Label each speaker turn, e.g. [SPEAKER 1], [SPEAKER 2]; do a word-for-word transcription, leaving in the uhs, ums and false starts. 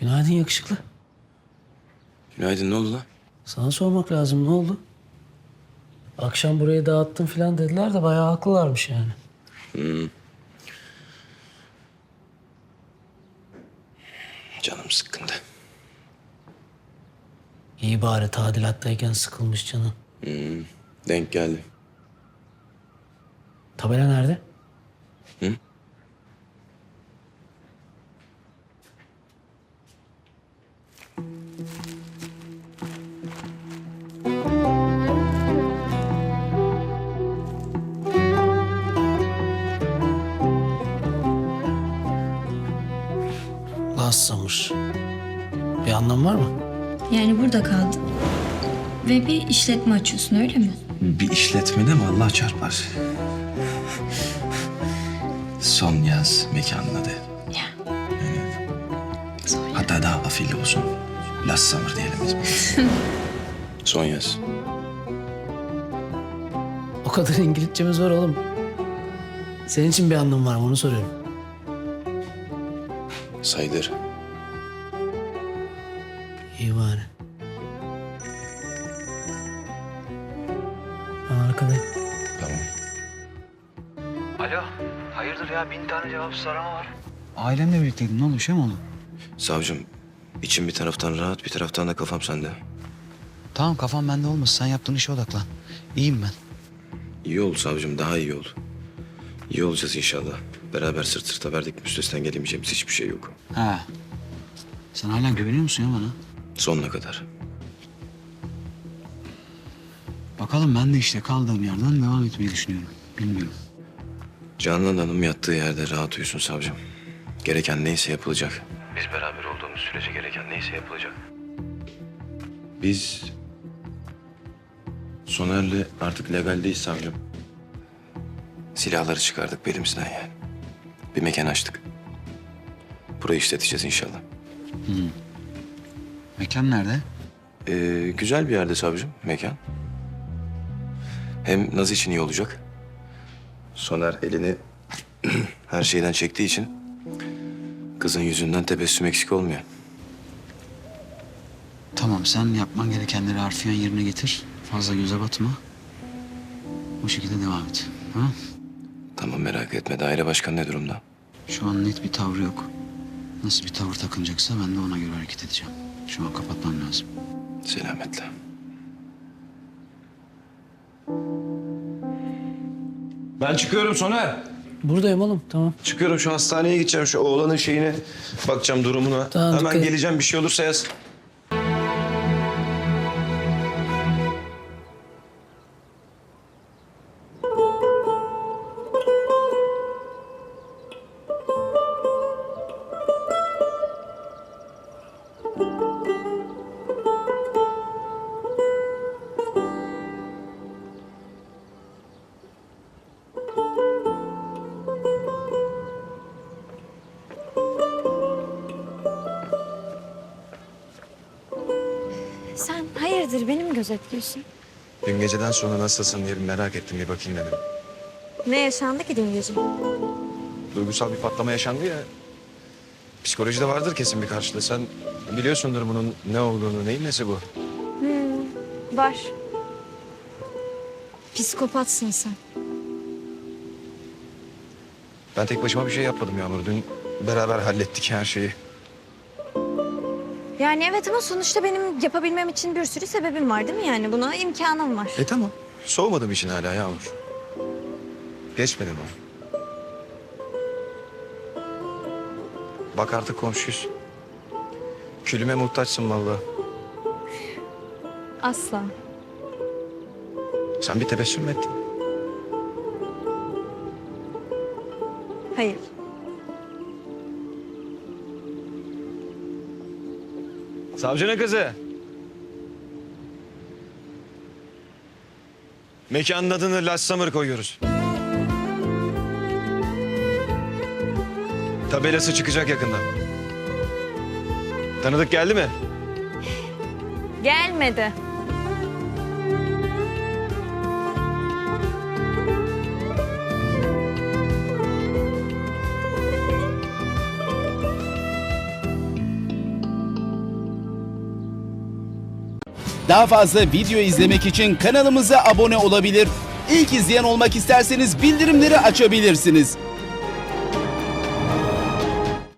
[SPEAKER 1] Günaydın yakışıklı.
[SPEAKER 2] Günaydın, ne oldu lan?
[SPEAKER 1] Sana sormak lazım, ne oldu? Akşam burayı dağıttın falan dediler de bayağı haklılarmış yani.
[SPEAKER 2] Hmm. Canım sıkkındı.
[SPEAKER 1] İyi bari tadilattayken sıkılmış canın.
[SPEAKER 2] Hmm. Denk geldi.
[SPEAKER 1] Tabela nerede?
[SPEAKER 2] Hı?
[SPEAKER 1] Last Summer. Bir anlam var mı?
[SPEAKER 3] Yani burada kaldın. Ve bir işletme açıyorsun öyle mi?
[SPEAKER 2] Bir işletmede mi Allah çarpar? Son yaz mekanın adı.
[SPEAKER 3] Ya.
[SPEAKER 2] Evet.
[SPEAKER 3] Son yaz.
[SPEAKER 2] Hatta daha afilli olsun. Last Summer diyelim biz. Son yaz.
[SPEAKER 1] O kadar İngilizcemiz var oğlum. Senin için bir anlam var mı onu soruyorum.
[SPEAKER 2] Sayılır.
[SPEAKER 1] İyi bari. Ben arkadayım.
[SPEAKER 2] Tamam.
[SPEAKER 4] Alo, hayırdır ya? Bin tane cevapsız arama var. Ailemle birlikteydin. Ne oldu? Bir şey mi oldu?
[SPEAKER 2] Savcım, içim bir taraftan rahat, bir taraftan da kafam sende.
[SPEAKER 4] Tamam, kafam bende olmasın. Sen yaptığın işe odaklan. İyiyim ben.
[SPEAKER 2] İyi ol savcım, daha iyi ol. İyi olacağız inşallah. Beraber sırt sırta verdik, üstesinden gelemeyeceğimiz hiçbir şey yok.
[SPEAKER 4] Ha. Sen hala güveniyor musun ya bana?
[SPEAKER 2] Sonuna kadar.
[SPEAKER 4] Bakalım, ben de işte kaldığım yerden devam etmeyi düşünüyorum. Bilmiyorum.
[SPEAKER 2] Canan Hanım yattığı yerde rahat uyusun savcım. Gereken neyse yapılacak. Biz beraber olduğumuz sürece gereken neyse yapılacak. Biz Soner'le artık legaldeyiz savcım. Silahları çıkardık belimizden yani. Bir mekan açtık. Burayı işleteceğiz inşallah.
[SPEAKER 4] Mekan nerede?
[SPEAKER 2] Ee, güzel bir yerde savcım mekan. Hem Naz için iyi olacak. Soner elini her şeyden çektiği için kızın yüzünden tebessüm eksik olmuyor.
[SPEAKER 4] Tamam, sen yapman gerekenleri harfiyen yerine getir. Fazla göze batma. O şekilde devam et. Ha?
[SPEAKER 2] Tamam merak etme. Daire başkanı ne durumda?
[SPEAKER 4] Şu an net bir tavrı yok. Nasıl bir tavır takınacaksa ben de ona göre hareket edeceğim. Şu an kapatmam lazım.
[SPEAKER 2] Selametle.
[SPEAKER 5] Ben çıkıyorum Soner.
[SPEAKER 1] Buradayım oğlum, tamam.
[SPEAKER 5] Çıkıyorum, şu hastaneye gideceğim. Şu oğlanın şeyine bakacağım, durumuna.
[SPEAKER 1] Tamam,
[SPEAKER 5] Hemen
[SPEAKER 1] dikkat et.
[SPEAKER 5] geleceğim, bir şey olursa yaz.
[SPEAKER 6] Sen hayırdır beni mi gözetliyorsun?
[SPEAKER 5] Dün geceden sonra nasılsın diye bir merak ettim, bir bakayım dedim.
[SPEAKER 6] Ne yaşandı ki dün gece?
[SPEAKER 5] Duygusal bir patlama yaşandı ya. Psikolojide vardır kesin bir karşılığı. Sen biliyorsundur bunun ne olduğunu, neyin nesi bu?
[SPEAKER 6] Var. Psikopatsın sen.
[SPEAKER 5] Ben tek başıma bir şey yapmadım Yağmur. Dün beraber hallettik her şeyi.
[SPEAKER 6] Yani evet ama sonuçta benim yapabilmem için bir sürü sebebim var değil mi yani? Buna imkanım var.
[SPEAKER 5] E tamam. Soğumadım için hala Yağmur. Geçmedi mi? Bak artık komşuyuz. Külüme muhtaçsın vallahi.
[SPEAKER 6] Asla.
[SPEAKER 5] Sen bir tebessüm mü ettin?
[SPEAKER 6] Hayır.
[SPEAKER 5] Savcının kızı. Mekanın adını Last Summer koyuyoruz. Tabelası çıkacak yakında. Tanıdık geldi mi?
[SPEAKER 6] Gelmedi.
[SPEAKER 7] Daha fazla video izlemek için kanalımıza abone olabilir. İlk izleyen olmak isterseniz bildirimleri açabilirsiniz.